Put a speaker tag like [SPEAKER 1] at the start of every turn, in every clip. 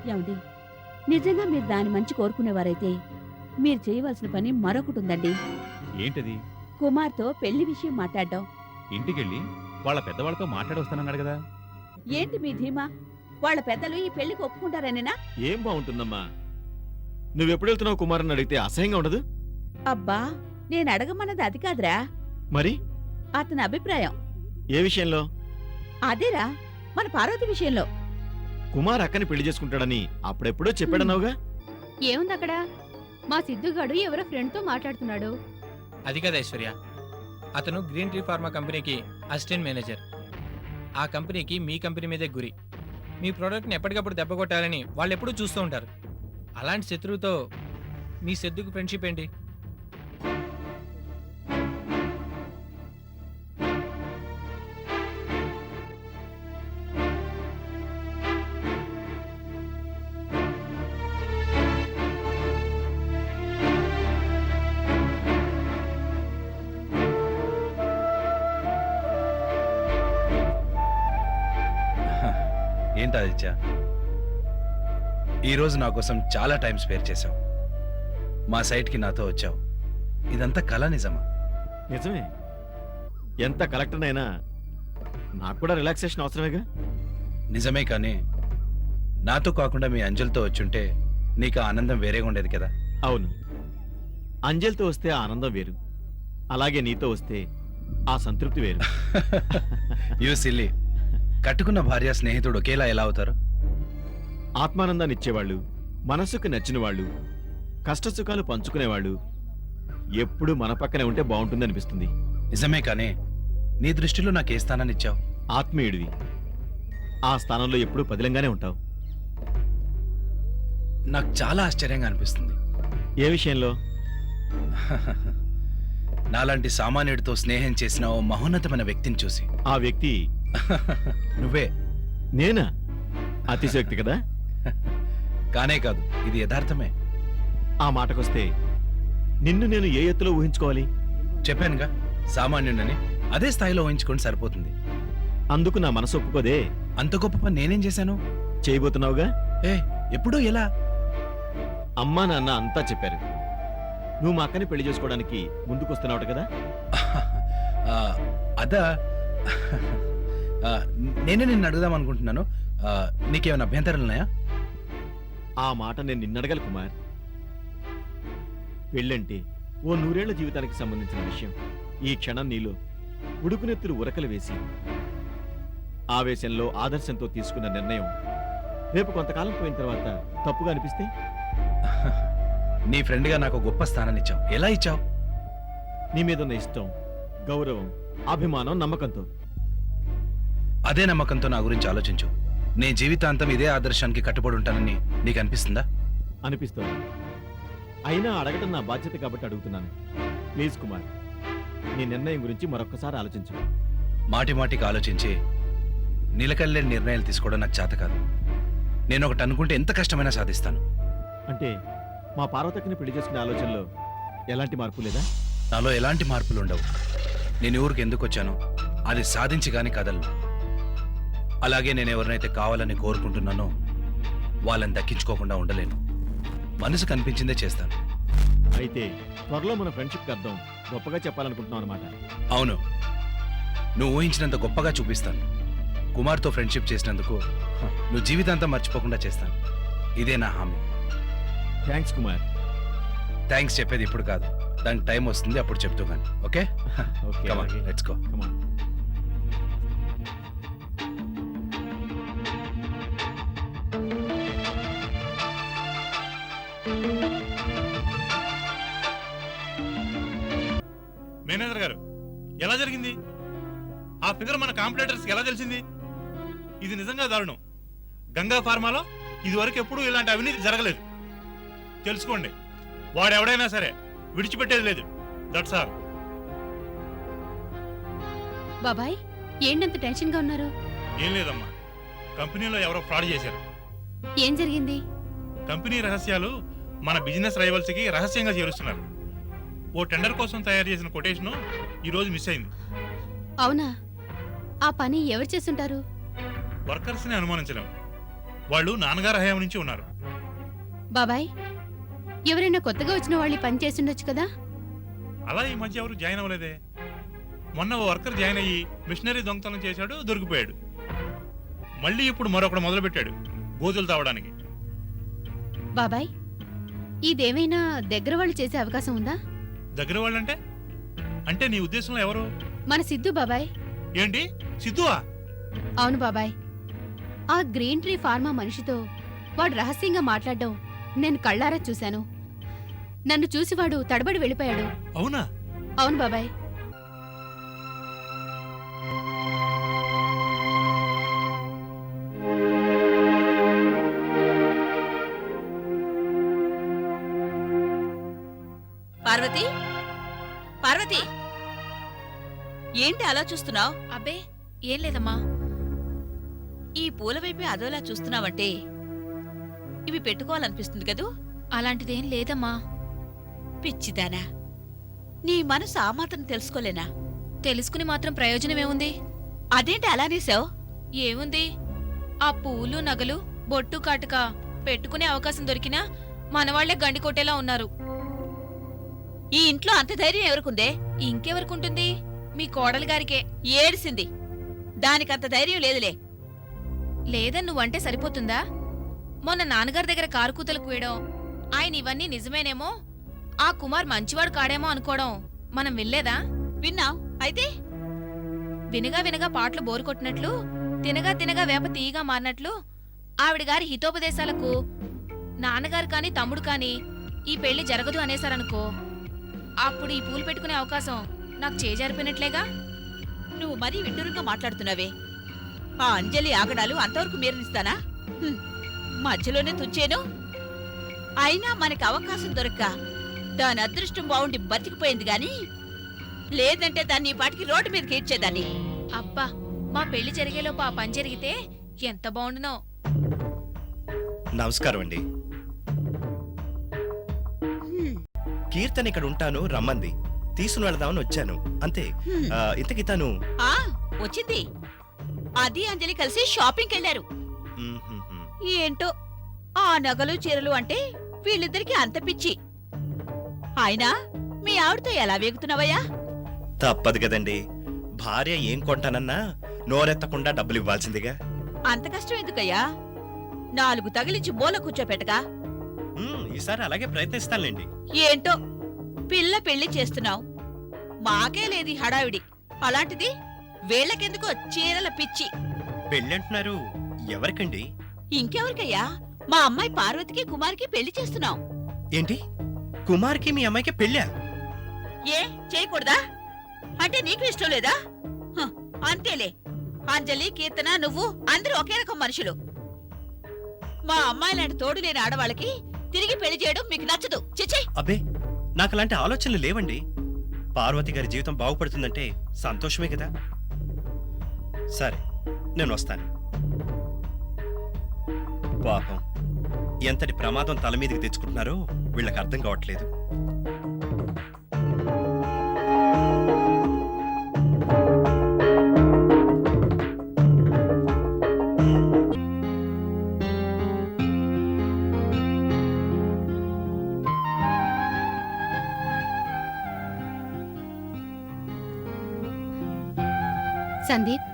[SPEAKER 1] ఏమండి, నిజంగా మీరు దాని మంచి కోరుకునేవారైతే మీరు చేయవలసిన పని మరొకటి ఉందండి.
[SPEAKER 2] ఏంటది?
[SPEAKER 1] కుమార్తో పెళ్లి విషయం మాట్లాడడం.
[SPEAKER 2] ఇంటికెళ్ళి వాళ్ళ పెద్దవాళ్ళతో మాట్లాడొస్తానన్నాడు కదా.
[SPEAKER 1] ఏంటి మీ ధీమా? వాళ్ళ పెద్దలు ఈ పెళ్లికి ఒప్పుకుంటారనేనా?
[SPEAKER 3] ఏం బాగుంటుందమ్మా? నువ్వెప్పుడు వెళ్తున్నావు కుమారుని అడిగితే అసహ్యంగా ఉండదు?
[SPEAKER 1] అబ్బా, నేను అడగమన్నది అది కాదురా,
[SPEAKER 3] మరి
[SPEAKER 1] అతని అభిప్రాయం.
[SPEAKER 3] ఏ విషయంలో?
[SPEAKER 1] అదేరా, మన పార్వతి విషయంలో.
[SPEAKER 3] కుమార్ అక్కని పెళ్లి చేసుకుంటాడని అప్పుడెప్పుడో చెప్పాడన్నావుగా.
[SPEAKER 4] ఏముంది అక్కడ? మా సిద్ధుగాడు ఎవరో ఫ్రెండ్తో మాట్లాడుతున్నాడు.
[SPEAKER 5] అది కదా ఐశ్వర్య, అతను గ్రీన్ ట్రీ ఫార్మా కంపెనీకి అసిస్టెంట్ మేనేజర్. ఆ కంపెనీకి మీ కంపెనీ మీదే గురి. మీ ప్రోడక్ట్ని ఎప్పటికప్పుడు దెబ్బ కొట్టాలని వాళ్ళు ఎప్పుడూ చూస్తూ ఉంటారు. అలాంటి శత్రువుతో మీ సిద్ధుకు ఫ్రెండ్షిప్ ఏంటి?
[SPEAKER 6] ఏంటి ఆదిత్య, ఈరోజు నా కోసం చాలా టైం స్పేర్ చేశావు. మా సైట్కి నాతో వచ్చావు. ఇదంతా కళ నిజమా?
[SPEAKER 3] నిజమే. ఎంత కలెక్టర్నైనా నాకు కూడా రిలాక్సేషన్ అవసరమేగా.
[SPEAKER 6] నిజమే, కానీ నాతో కాకుండా మీ అంజలితో వచ్చుంటే నీకు ఆ ఆనందం వేరేగా ఉండేది కదా.
[SPEAKER 3] అవును, అంజలితో వస్తే ఆ ఆనందం వేరు, అలాగే నీతో వస్తే ఆ సంతృప్తి వేరు.
[SPEAKER 6] You silly. కట్టుకున్న భార్య స్నేహితుడు ఒకేలా ఎలా అవుతారు?
[SPEAKER 3] ఆత్మానందాన్ని ఇచ్చేవాళ్ళు, మనసుకు నచ్చిన వాళ్ళు, కష్టసుఖాలు పంచుకునేవాళ్ళు ఎప్పుడూ మన పక్కనే ఉంటే బాగుంటుంది అనిపిస్తుంది.
[SPEAKER 6] నిజమే, కానీ నీ దృష్టిలో నాకు ఏ స్థానాన్ని ఇచ్చావు?
[SPEAKER 3] ఆత్మీయుడివి. ఆ స్థానంలో ఎప్పుడూ పదిలంగానే ఉంటావు.
[SPEAKER 6] నాకు చాలా ఆశ్చర్యంగా అనిపిస్తుంది.
[SPEAKER 3] ఏ విషయంలో?
[SPEAKER 6] నాలాంటి సామాన్యుడితో స్నేహం చేసిన ఓ మహోన్నతమైన వ్యక్తిని చూసి.
[SPEAKER 3] ఆ వ్యక్తి
[SPEAKER 6] నువ్వే.
[SPEAKER 3] నేనా? అతిశయోక్తి కదా.
[SPEAKER 6] కానే కాదు, ఇది యథార్థమే.
[SPEAKER 3] ఆ మాటకొస్తే నిన్ను నేను ఏ ఎత్తులో ఊహించుకోవాలి?
[SPEAKER 6] చెప్పానుగా, సామాన్యుడని. అదే స్థాయిలో ఊహించుకోండి సరిపోతుంది.
[SPEAKER 3] అందుకు నా మనసు ఒప్పుకోదే.
[SPEAKER 6] అంత గొప్ప పని నేనేం చేశాను?
[SPEAKER 3] చేయబోతున్నావుగా.
[SPEAKER 6] ఏ, ఎప్పుడు, ఎలా?
[SPEAKER 3] అమ్మా నాన్న అంతా చెప్పారు. నువ్వు మా అక్కని పెళ్లి చేసుకోవడానికి ముందుకొస్తున్నావు కదా.
[SPEAKER 6] అదా, నేనే నిన్ను అడుగుదాం అనుకుంటున్నాను. నీకేమైనా అభ్యంతరాలున్నాయా?
[SPEAKER 3] ఆ మాట నేను నిన్నడగల కుమార్. పెళ్ళంటే ఓ 100 ఏళ్ల జీవితానికి సంబంధించిన విషయం. ఈ క్షణం నీలో ఉడుకునెత్తులు ఉరకలు వేసి ఆవేశంలో ఆదర్శంతో తీసుకున్న నిర్ణయం రేపు కొంతకాలం పోయిన తర్వాత తప్పుగా అనిపిస్తే?
[SPEAKER 6] నీ ఫ్రెండ్గా నాకు గొప్ప స్థానాన్ని ఇచ్చావు. ఎలా ఇచ్చావు?
[SPEAKER 3] నీ మీదున్న ఇష్టం, గౌరవం, అభిమానం, నమ్మకంతో.
[SPEAKER 6] అదే నమ్మకంతో నా గురించి ఆలోచించు. నేను జీవితాంతం ఇదే ఆదర్శానికి కట్టుబడి ఉంటానని నీకు అనిపిస్తుందా?
[SPEAKER 3] అనిపిస్తోంది. అయినా అడగటం నా బాధ్యత కాబట్టి అడుగుతున్నాను. ప్లీజ్ కుమార్, నీ నిర్ణయం గురించి మరొక్కసారి ఆలోచించు.
[SPEAKER 6] మాటి మాటికి ఆలోచించి నిలకల్లేని నిర్ణయాలు తీసుకోవడం నాకు చేత కాదు. నేను ఒకటి అనుకుంటే ఎంత కష్టమైనా సాధిస్తాను.
[SPEAKER 3] అంటే మా పార్వతక్కని పెళ్లి చేసుకునే ఆలోచనలో ఎలాంటి మార్పు లేదా?
[SPEAKER 6] నాలో ఎలాంటి మార్పులు ఉండవు. నేను ఊరికి ఎందుకు వచ్చానో అది సాధించి గాని కదలను. అలాగే నేను ఎవరినైతే కావాలని కోరుకుంటున్నానో వాళ్ళని దక్కించుకోకుండా ఉండలేను. మనసు కనిపించిందే చేస్తాను.
[SPEAKER 3] అయితే త్వరలో మన ఫ్రెండ్షిప్కి అర్థం గొప్పగా చెప్పాలనుకుంటున్నావు అనమాట.
[SPEAKER 6] అవును, నువ్వు ఊహించినంత గొప్పగా చూపిస్తాను. కుమార్తో ఫ్రెండ్షిప్ చేసినందుకు నువ్వు జీవితాంతం మర్చిపోకుండా చేస్తాను. ఇదే నా హామీ.
[SPEAKER 3] థ్యాంక్స్ కుమార్.
[SPEAKER 6] థ్యాంక్స్ చెప్పేది ఇప్పుడు కాదు, దానికి టైం వస్తుంది, అప్పుడు చెప్తూ కానీ. Okay,
[SPEAKER 3] okay,
[SPEAKER 6] come on, let's go.
[SPEAKER 3] Come on.
[SPEAKER 7] Manager గారు, ఎలా జరిగింది? ఆ ఫిగర్ మన కాంపిటేటర్స్కి ఎలా తెలిసింది? ఇది నిజంగా దారుణం. గంగా ఫార్మాలో ఇదివరకు ఎప్పుడూ ఇలాంటి అవినీతి జరగలేదు. తెలుసుకోండి, వాడెవడైనా సరే విడిచిపెట్టేది లేదు. That's all.
[SPEAKER 4] బాబాయ్, ఏంటంత టెన్షన్గా ఉన్నారు?
[SPEAKER 7] ఏం లేదమ్మా, కంపెనీలో ఎవరో ఫ్రాడ్ చేశారు.
[SPEAKER 4] ఏం జరిగింది?
[SPEAKER 7] కంపెనీ రహస్యాలు మన బిజినెస్ రైవల్స్కి రహస్యంగా చేరుస్తున్నారు. ఓ టెండర్ కోసం తయారు చేసిన కొటేషన్ ఈరోజు మిస్ అయింది.
[SPEAKER 4] అవునా? ఆ పని ఎవరు చేస్తుంటారు?
[SPEAKER 7] వర్కర్స్ని అనుమానించలేం, వాళ్ళు నాన్నగారు హయాం నుంచి ఉన్నారు.
[SPEAKER 4] బాబాయ్ ఎవరైనా కొత్తగా వచ్చిన వాళ్ళు ఈ పని చేస్తుండొచ్చు కదా.
[SPEAKER 7] అలా ఈ మధ్య ఎవరు జాయిన్ అవ్వలేదే. మొన్న ఓ వర్కర్ జాయిన్ అయ్యి మిషనరీ దొంగతనం చేశాడు, దొరికిపోయాడు. మళ్ళీ ఇప్పుడు మరొకడు మొదలుపెట్టాడు గోతులు తావడానికి.
[SPEAKER 4] బాబాయ్ ఇదేమైనా దగ్గర వాళ్ళు చేసే అవకాశం ఉందా?
[SPEAKER 7] దగ్గర వాళ్ళంటే అంటే నీ ఉద్దేశంలో ఎవరు?
[SPEAKER 4] మన సిద్ధు బాబాయ్.
[SPEAKER 7] ఏంటి సిద్ధువా?
[SPEAKER 4] అవును బాబాయ్, ఆ గ్రీన్ ట్రీ ఫార్మా మనిషితో వాడు రహస్యంగా మాట్లాడడం నేను కళ్ళారా చూశాను. నన్ను చూసి వాడు తడబడి వెళ్ళిపోయాడు.
[SPEAKER 7] అవునా?
[SPEAKER 4] అవును బాబాయ్.
[SPEAKER 1] పార్వతి, పార్వతి, ఏంటి అలా చూస్తున్నావు?
[SPEAKER 8] అబ్బే ఏం లేదమ్మా.
[SPEAKER 1] ఈ పూల వైపే అదోలా చూస్తున్నావంటే ఇవి పెట్టుకోవాలనిపిస్తుంది కదూ?
[SPEAKER 8] అలాంటిదేం లేదమ్మా.
[SPEAKER 1] పిచ్చిదానా, నీ మనసు ఆ మాత్రం తెలుసుకోలేనా?
[SPEAKER 8] తెలుసుకుని మాత్రం ప్రయోజనమేముంది?
[SPEAKER 1] అదేంటి అలానేసావు?
[SPEAKER 8] ఏముంది, ఆ పూలు నగలు బొట్టు కాటుక పెట్టుకునే అవకాశం దొరికినా మనవాళ్లే గండి కొట్టేలా ఉన్నారు.
[SPEAKER 1] ఈ ఇంట్లో అంత ధైర్యం ఎవరికుందే?
[SPEAKER 8] ఇంకెవరికుంటుంది? మీ కోడలి గారికే.
[SPEAKER 1] ఏడిసింది, దానికంత ధైర్యం లేదులే.
[SPEAKER 8] లేదని నువ్వంటే సరిపోతుందా? మొన్న నాన్నగారి దగ్గర కారు కూతలు కూయడం, ఆయన ఇవన్నీ నిజమేనేమో, ఆ కుమార్ మంచివాడు కాడేమో అనుకోవడం మనం వినలేదా?
[SPEAKER 1] విన్నావు అయితే?
[SPEAKER 8] వినగా వినగా పాటలు బోరు కొట్టినట్లు, తినగా తినగా వేప తీయగా మారినట్లు ఆవిడ గారి హితోపదేశాలకు నాన్నగారు కాని తమ్ముడు కాని ఈ పెళ్లి జరగదు అనేసారనుకో, అప్పుడు ఈ పూలు పెట్టుకునే అవకాశం నాకు చేజారిపోయినట్లేగా.
[SPEAKER 1] నువ్వు మరీ విడ్డూరంగా మాట్లాడుతున్నావే. ఆ అంజలి ఆగడాలు అంతవరకు మీరనిస్తానా? మధ్యలోనే తుంచేను. అయినా మనకి అవకాశం దొరక్క దాని అదృష్టం బాగుండి బతికిపోయింది గాని, లేదంటే దాన్ని ఈ పాటికి రోడ్డు మీదకి ఇచ్చేదాన్ని.
[SPEAKER 8] అబ్బా, మా పెళ్లి జరిగేలోపు ఆ పని జరిగితే ఎంత బాగుండునో.
[SPEAKER 9] నమస్కారం అండి. కీర్తన్ ఇక్కడ ఉంటాను రమ్మంది, తీసుకుని వెళదామని వచ్చాను అంతే. ఇంతకీ తను
[SPEAKER 1] ఆ వచ్చింది. అది అంజలి కలిసి షాపింగ్కి వెళ్ళారు. ఏంటో ఆ నగలు చీరలు అంటే వీళ్ళిద్దరికి అంత పిచ్చి. అయినా మీ ఆవిడతో ఎలా వేగుతున్నావయ్యా?
[SPEAKER 9] తప్పదు కదండి, భార్య ఏం కొంటానన్నా నోరెత్తకుండా డబ్బులు ఇవ్వాల్సిందిగా.
[SPEAKER 1] అంత కష్టం ఎందుకయ్యా? 4 తగిలించి మూల కూర్చోపెట్టగా.
[SPEAKER 9] ఈసారి అలాగే ప్రయత్నిస్తానులేండి.
[SPEAKER 1] ఏంటో పిల్ల పెళ్లి చేస్తున్నావు, మాకే లేది హడావిడి. అలాంటిది వీళ్ళకెందుకో చీరల పిచ్చి.
[SPEAKER 9] పెళ్ళి అంటున్నారు, ఎవరికండి?
[SPEAKER 1] ఇంకెవరికయ్యా? మా అమ్మాయి పార్వతికి కుమార్కి పెళ్లి చేస్తున్నాం.
[SPEAKER 9] ఏంటి, కుమార్కి మీ అమ్మాయికి పెళ్ళా?
[SPEAKER 1] ఏ చేయకూడదా? అంటే నీకు ఇష్టం లేదా? అంతేలే, అంజలి, కీర్తన, నువ్వు అందరూ ఒకే రకం మనుషులు. మా అమ్మాయి లాంటి తోడు లేని ఆడవాళ్ళకి తిరిగి పెళ్లి చేయడం మీకు నచ్చదు. చిచ్చి.
[SPEAKER 9] అబ్బే, నాకు అలాంటి ఆలోచనలు లేవండి. పార్వతి గారి జీవితం బాగుపడుతుందంటే సంతోషమే కదా. సరే, నేను వస్తాను. పాపం, ఎంతటి ప్రమాదం తల మీదకి తెచ్చుకుంటున్నారో వీళ్ళకి అర్థం కావట్లేదు.
[SPEAKER 4] సందీప్,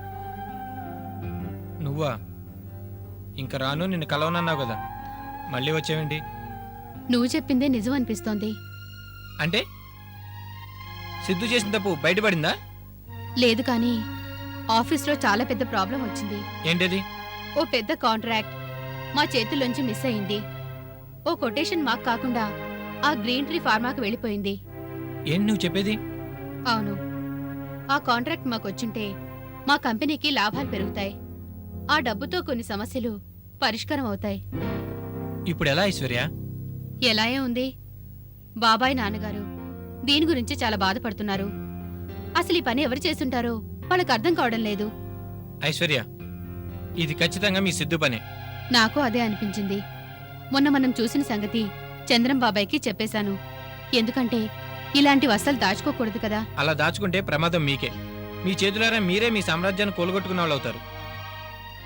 [SPEAKER 5] నువ్వా? ఇంక రాను, నిన్ను కలవనన్నావు కదా, మళ్ళీ వచ్చావేంటి?
[SPEAKER 4] నువ్వు చెప్పిందే నిజం అనిపిస్తోంది.
[SPEAKER 5] అంటే సిద్ధు చేసిన తప్పు బయటపడిందా?
[SPEAKER 4] లేదు కానీ ఆఫీస్లో చాలా పెద్ద ప్రాబ్లం వచ్చింది.
[SPEAKER 5] ఏంటది?
[SPEAKER 4] ఓ పెద్ద కాంట్రాక్ట్ మా చేతుల్లోంచి మిస్ అయింది. ఓ కొటేషన్ మాకు కాకుండా ఆ గ్రీన్ ట్రీ ఫార్మాకు వెళ్ళిపోయింది.
[SPEAKER 5] ఏంటి నువ్వు చెప్పేది?
[SPEAKER 4] అవును, ఆ కాంట్రాక్ట్ మాకొచ్చుంటే మా కంపెనీకి లాభాలు పెరుగుతాయి. ఆ డబ్బుతో కొన్ని సమస్యలు పరిష్కారం అవుతాయి.
[SPEAKER 5] ఇప్పుడు ఎలా ఐశ్వర్య?
[SPEAKER 4] ఎలాయే ఉంది, బాబాయ్ నాన్నగారు దీని గురించి చాలా బాధపడుతున్నారు. అసలు ఈ పని ఎవరు చేస్తుంటారో వాళ్ళకి అర్థం కావడం లేదు.
[SPEAKER 5] ఐశ్వర్య, ఇది ఖచ్చితంగా మీ సిద్ధు పనే.
[SPEAKER 4] నాకు అదే అనిపించింది. మొన్న మనం చూసిన సంగతి చంద్రం బాబాయ్కి చెప్పేశాను. ఎందుకంటే ఇలాంటి వస్తలు దాచుకోకూడదు కదా.
[SPEAKER 5] అలా దాచుకుంటే ప్రమాదం మీకే. మీ చేతులారా మీరే మీ సామ్రాజ్యాన్ని కూలగొట్టుకున్న వాళ్ళు అవుతారు.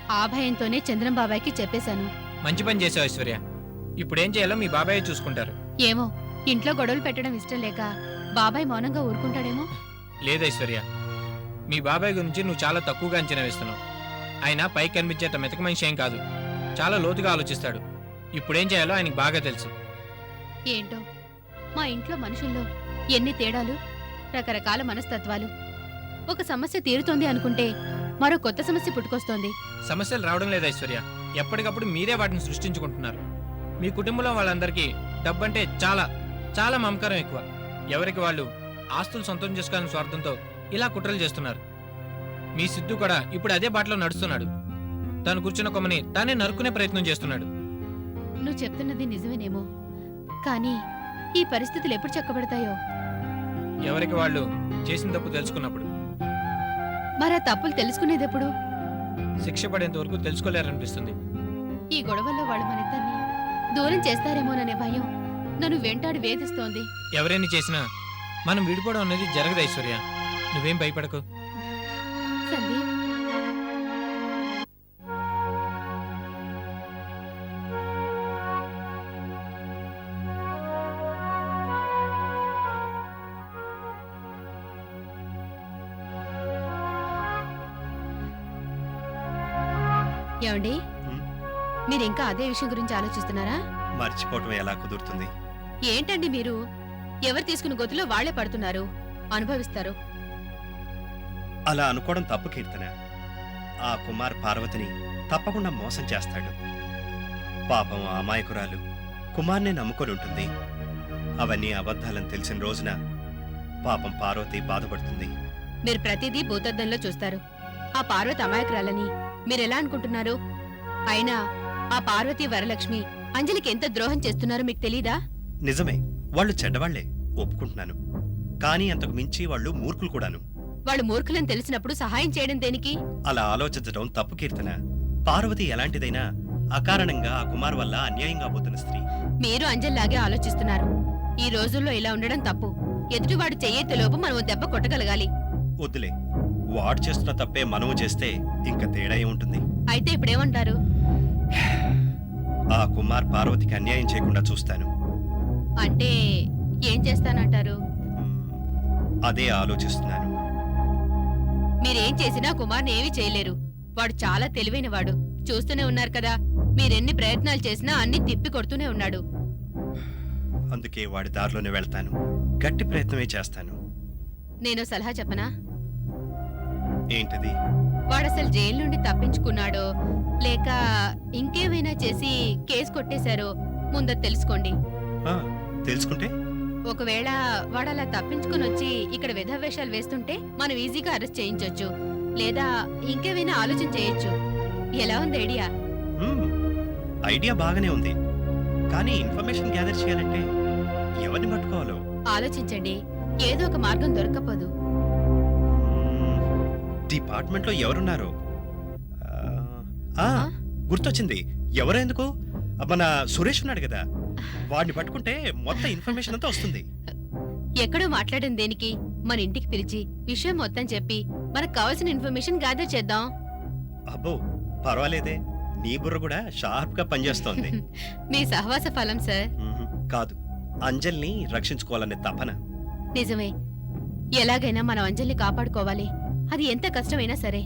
[SPEAKER 4] ఆ భయంతోనే చంద్రం బాబాయ్కి చెప్పేశాను.
[SPEAKER 5] మంచి పని చేసావు ఐశ్వర్య. ఇప్పుడేం చేయాలో మీ బాబాయ్ చూసుకుంటారు.
[SPEAKER 4] ఏమో ఇంట్లో గొడవలు పెట్టడం ఇష్టం లేక బాబాయ్ మౌనంగా ఊరుకుంటాడేమో.
[SPEAKER 5] లేదు ఐశ్వర్య, మీ బాబాయ్ గురించి నువ్వు చాలా తక్కువగా అంచనా వేస్తున్నావు. ఆయన పైకి కనిపించేంత మెతక మనిషి ఏం కాదు, చాలా లోతుగా ఆలోచిస్తాడు. ఇప్పుడేం చేయాలో ఆయనకి బాగా తెలుసు.
[SPEAKER 4] ఏంటో మా ఇంట్లో మనుషుల్లో ఎన్ని తేడాలు, రకరకాల మనస్తత్వాలు. ఒక సమస్య తీరుతోంది అనుకుంటే మరో కొత్త సమస్య పుట్టుకొస్తోంది.
[SPEAKER 5] సమస్యలు రావడం లేదు ఐశ్వర్య, ఎప్పటికప్పుడు మీరే వాటిని సృష్టించుకుంటున్నారు. మీ కుటుంబంలో వాళ్ళందరికీ డబ్బంటే చాలా చాలా మమకారం ఎక్కువ. ఎవరికి వాళ్ళు ఆస్తులు సొంతం చేసుకోవాలని స్వార్థంతో ఇలా కుట్రలు చేస్తున్నారు. మీ సిద్ధు కూడా ఇప్పుడు అదే బాటలో నడుస్తున్నాడు. తాను కూర్చున్న కొమ్మని తానే నరుకునే ప్రయత్నం చేస్తున్నాడు.
[SPEAKER 4] నువ్వు చెప్తున్నది నిజమేనేమో, కానీ ఈ పరిస్థితులు ఎప్పుడు చక్కబడతాయో.
[SPEAKER 5] ఎవరికి వాళ్ళు చేసిన తప్పు తెలుసుకున్నప్పుడు.
[SPEAKER 4] మరా తప్పులు తెలుసుకునేదెప్పుడు?
[SPEAKER 5] శిక్ష పడేంత వరకు తెలుసుకోలేరనిపిస్తుంది.
[SPEAKER 4] ఈ గొడవల్లో వాళ్ళు మనిద్దరిని దూరం చేస్తారేమోననే భయం నన్ను వెంటాడి వేధిస్తోంది.
[SPEAKER 5] ఎవరైనా చేసినా మనం విడిపోవడం అనేది జరగదు ఐశ్వర్య, నువ్వేం భయపడకు.
[SPEAKER 4] సందీప్, ఏమండి
[SPEAKER 9] హ్మ్?
[SPEAKER 4] మీరింకా అదే విషయం గురించి ఆలోచిస్తున్నారా?
[SPEAKER 9] మర్చిపోవటం ఎలా కుదురుతుంది?
[SPEAKER 4] ఏంటండి మీరు? ఎవరు తీసుకున్న గొత్తులో వాళ్లే పడుతున్నారు, అనుభవిస్తారు.
[SPEAKER 9] అలా అనుకోవడం తప్పు కీర్తన. ఆ కుమార్ పార్వతిని తప్పకుండా మోసం చేస్తాడు. పాపం ఆ అమాయకురాలు కుమార్నే నమ్ముకొని ఉంటుంది. అవన్నీ అబద్ధాలని తెలిసిన రోజున పాపం పార్వతి బాధపడుతుంది.
[SPEAKER 4] మీరు ప్రతిదీ భూతద్దంలో చూస్తారు. ఆ పార్వతి అమాయకురాలని మీరెలా అనుకుంటున్నారు? అయినా ఆ పార్వతి వరలక్ష్మి అంజలికి ఎంత ద్రోహం చేస్తున్నారో మీకు తెలీదా?
[SPEAKER 9] నిజమే, వాళ్ళు చెడ్డవాళ్లే, ఒప్పుకుంటున్నాను. కానీ అంతకు మించి వాళ్ళు మూర్ఖులు కూడాను.
[SPEAKER 4] వాళ్ళు మూర్ఖులని తెలిసినప్పుడు సహాయం చేయడం దేనికి?
[SPEAKER 9] అలా ఆలోచించడం తప్పు కీర్తన. పార్వతి ఎలాంటిదైనా అకారణంగా ఆ కుమార్ వల్ల అన్యాయంగా పోతున్న స్త్రీ.
[SPEAKER 4] మీరు అంజలిలాగే ఆలోచిస్తున్నారు. ఈ రోజుల్లో ఇలా ఉండడం తప్పు. ఎదుటివాడు చెయ్యేతిలోపు మనం ఓ దెబ్బ కొట్టగలగాలి.
[SPEAKER 9] వద్దులే, వాడు చేస్తున్న తప్పే మనము చేస్తే ఇంకా తేడా ఏముంటుంది?
[SPEAKER 4] అయితే ఇప్పుడేమంటారు?
[SPEAKER 9] ఆ కుమార్ పార్వతికి అన్యాయం చేయకుండా చూస్తాను.
[SPEAKER 4] అంటే ఏం చేస్తానంటారు?
[SPEAKER 9] అదే ఆలోచిస్తున్నాను.
[SPEAKER 4] మీరేం చేసినా కుమార్ని ఏమీ చేయలేరు. వాడు చాలా తెలివైనవాడు. చూస్తూనే ఉన్నారు కదా, మీరెన్ని ప్రయత్నాలు చేసినా అన్ని తిప్పి కొడుతూనే ఉన్నాడు.
[SPEAKER 9] అందుకే వాడి దారిలోనే వెళ్తాను. గట్టి ప్రయత్నమే చేస్తాను.
[SPEAKER 4] నేను సలహా చెప్పనా?
[SPEAKER 9] ఏంటిది?
[SPEAKER 4] వాడసలు జైలు నుండి తప్పించుకున్నాడో లేక ఇంకేమైనా చేసి కేసు కొట్టేశారో ముందు తెలుసుకోండి.
[SPEAKER 9] ఆ, తెలుసుకుంటే?
[SPEAKER 4] ఒకవేళ వాడలా తప్పించుకుని వచ్చి ఇక్కడ విధవేషాలు వేస్తుంటే మనం ఈజీగా అరెస్ట్ చేయించొచ్చు, లేదా ఇంకేమైనా ఆలోచన చేయొచ్చు. ఎలా ఉంది ఐడియా?
[SPEAKER 9] ఐడియా బాగానే ఉంది, కానీ ఇన్ఫర్మేషన్ గ్యాదర్ చేయాలంటే ఎవరిని పట్టుకోవాలో
[SPEAKER 4] ఆలోచించండి. ఏదో ఒక మార్గం దొరకపోదు.
[SPEAKER 9] డిపార్ట్మెంట్లో ఎవరున్నారు? గుర్తొచ్చింది. ఎవరో ఎందుకు, మన సురేష్ ఉన్నాడు కదా, వాడిని పట్టుకుంటే మొత్తం ఇన్ఫర్మేషన్ అంతా వస్తుంది.
[SPEAKER 4] ఎక్కడో మాట్లాడిన దేనికి? మన ఇంటికి పిలిచి విషయం మొత్తం చెప్పి మనకు కావాల్సిన ఇన్ఫర్మేషన్ గ్యాదర్ చేద్దాం.
[SPEAKER 9] అబ్బో పర్వాలేదే, నీ బుర్ర కూడా షార్ప్ గా పనిచేస్తోంది.
[SPEAKER 4] మీ సహవాస ఫలం సార్.
[SPEAKER 9] కాదు, అంజల్ని రక్షించుకోవాలనే తపన.
[SPEAKER 4] నిజమే, ఎలాగైనా మనం అంజలిని కాపాడుకోవాలి. అది ఎంత కష్టమైనా సరే.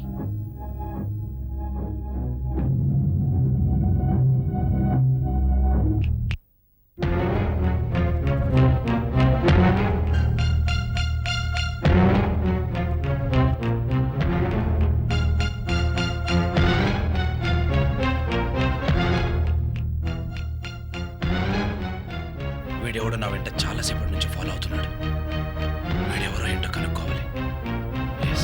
[SPEAKER 6] వీడెవడో నా వెంట చాలాసేపటి నుంచి ఫాలో అవుతున్నాడు. వీడెవరో ఏంటో కనుక్కోవాలి. Yes.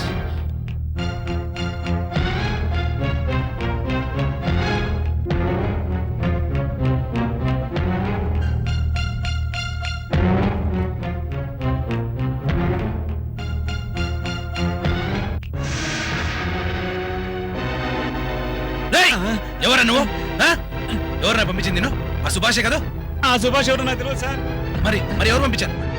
[SPEAKER 6] రేయ్! ఎవరా నువ్వు? ఎవరు పంపించింది? నేను ఆ సుభాషే కదా.
[SPEAKER 2] ఆ సుభాష్ ఎవరు నాకు తెలియదు సార్.
[SPEAKER 6] మరి ఎవరు పంపించారు?